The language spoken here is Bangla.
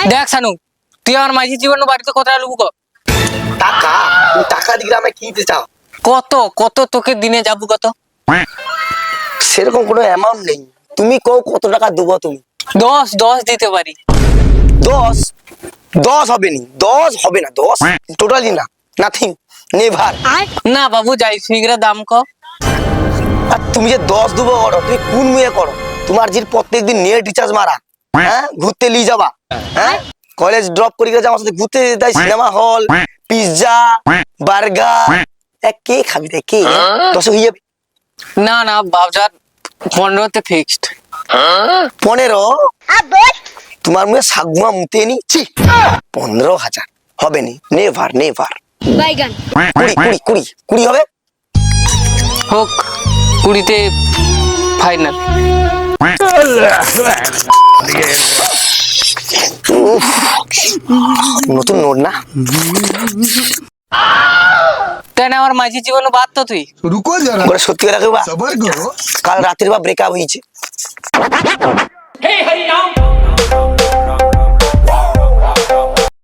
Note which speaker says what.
Speaker 1: দেখ শানু, তুই আমার মাঝি জীবন বাড়িতে কত লুবু ক
Speaker 2: টাকা? তুমি টাকা দিলে আমায় কি দিতে চাও?
Speaker 1: কত কত তোকে দিনে যাবো কত?
Speaker 2: সেরকম কোনো অ্যামাউন্ট নেই, তুমি কও কত টাকা দেবো তুমি?
Speaker 1: 10 দিতে পারি।
Speaker 2: 10? 10 হবে নি, 10 হবে না, 10 টোটালি না, নাথিং, নেভার।
Speaker 1: না বাবু, যাই ফিগরা দাম ক।
Speaker 2: আর তুমি যে 10 দেবো করো, তুমি কোন মেয়ে করো? তোমার যে প্রত্যেকদিন নেট রিচার্জ মারা, হ্যাঁ, ঘুরতে নিয়ে যাবা, হ্যাঁ, কলেজ ড্রপ করে গেলে আমার সাথে ঘুরতে যেতে, সিনেমা হল, পিৎজা, বার্গার, কে খাবি রে, কে? 10 হয়ে যাবে?
Speaker 1: না না বাজার 15তে ফিক্সড।
Speaker 2: 15? তোমার মুখে সাগুয়া মুতে নিচ্ছি। 15,000 হবে নি, নেভার নেভার। 20 হবে?
Speaker 1: হোক 20তে ফাইনাল।
Speaker 2: নতুন নোট না?
Speaker 1: কেন আমার মাঝি জীবন বাদ তো তুই?
Speaker 3: रुको जरा
Speaker 2: সত্যি কথা কইবা,
Speaker 3: सबर करो।
Speaker 2: কাল রাতের বা ব্রেকআপ হয়েছে।